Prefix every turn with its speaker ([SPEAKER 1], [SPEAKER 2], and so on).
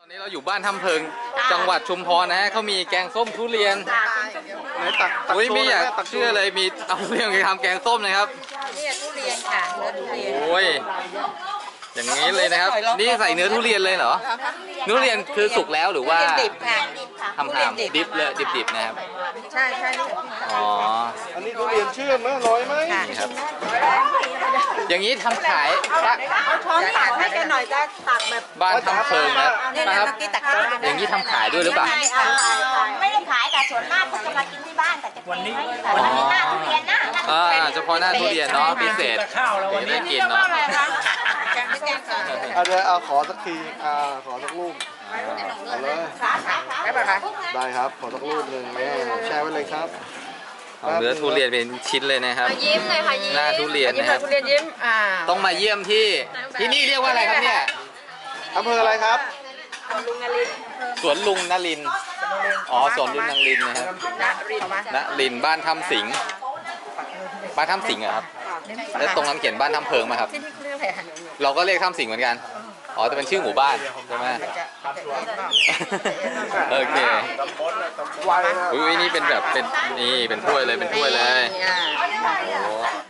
[SPEAKER 1] นี่เราอยู่บ้านถ้ำเพิงจังหวัดชุมพรนะฮะเขามีแกงส้มทุเรียน
[SPEAKER 2] ไหนตัก
[SPEAKER 1] อุ้ยไม่อยาก
[SPEAKER 2] ตักโชว์
[SPEAKER 1] เชื่อเลยมีเอาทุเรียนไปทำแกงส้มนะครับ
[SPEAKER 3] นี่ทุเรียนค่ะเนื้อทุเรียน
[SPEAKER 1] โอ้ยอย่างนี้เลยนะครับนี่ใส่เนื้อทุเรียนเลยเหรอเนื้อทุเรียนคือสุกแล้วหรือว่า
[SPEAKER 3] ดิบค่ะ
[SPEAKER 1] ทำดิบเลยดิบๆนะครับ
[SPEAKER 3] ใช่ใช่
[SPEAKER 1] อ๋อ
[SPEAKER 2] อันนี้ทุเรียนเชื่อมไหมอร่อยไหม
[SPEAKER 1] นี่ครับอย่างนี้ทำขาย
[SPEAKER 3] เอาช้อนตักให้แกหน่อยจะตักแบบ
[SPEAKER 1] บ้านถ้ำเพิงนะ
[SPEAKER 3] นี่
[SPEAKER 1] นะ
[SPEAKER 3] นะครับ เมื่อกี้ตักได้
[SPEAKER 1] อย่างนี้ทำขายด้วยหรือเปล่า
[SPEAKER 4] ไม่ได้ขายแต่ส่วนมากเขาจะมากินที่บ้านแต่จะวันนี้วันนี้หน้าทุเรียนนะ
[SPEAKER 1] เฉพาะหน้าทุเรียนเนาะพิเศษได้กินเนาะ
[SPEAKER 3] แกงแกงค่ะ
[SPEAKER 2] เดี๋ยวเอาขอสักทีขอสักรูปเอาเลย
[SPEAKER 3] ได้ป่ะคะ
[SPEAKER 2] ได้ครับขอสักรูปหนึ่งแม่แชร์ไว้เลยครับ
[SPEAKER 1] เอาเนื้อทุเรียนเป็นชิ้นเลยนะครับ
[SPEAKER 3] ยิ้มเลยค่ะยิ้ม
[SPEAKER 1] หน้าทุเรียนนะครับ
[SPEAKER 3] ทุเรียนยิ้ม
[SPEAKER 1] ต้องมาเยี่ยมที่นี่เรียกว่าอะไรครับเนี่ย
[SPEAKER 2] อำเภออะไรครับ
[SPEAKER 1] สวนลุงนลินทร์อ๋อสวนลุงนลินทร์นะครับนลินทร์บ้านถ้ำสิงห์บ้านถ้ำสิงห์อะครับแล้วตรงนั้นเขียนบ้านถ้ำเพิงมาครับ
[SPEAKER 3] ที่นี่เขาเรียกอะไรคะ
[SPEAKER 1] เราก็เรียกถ้ำสิงห์เหมือนกันอ๋อแต่เป็นชื่อหมู่บ้านใช่ไหมโอเค
[SPEAKER 2] ไวนะ
[SPEAKER 1] อุ้ยนี่เป็นแบบเป็นนี่เป็นถ้วยเลยเป็นถ้วยเลยโอ้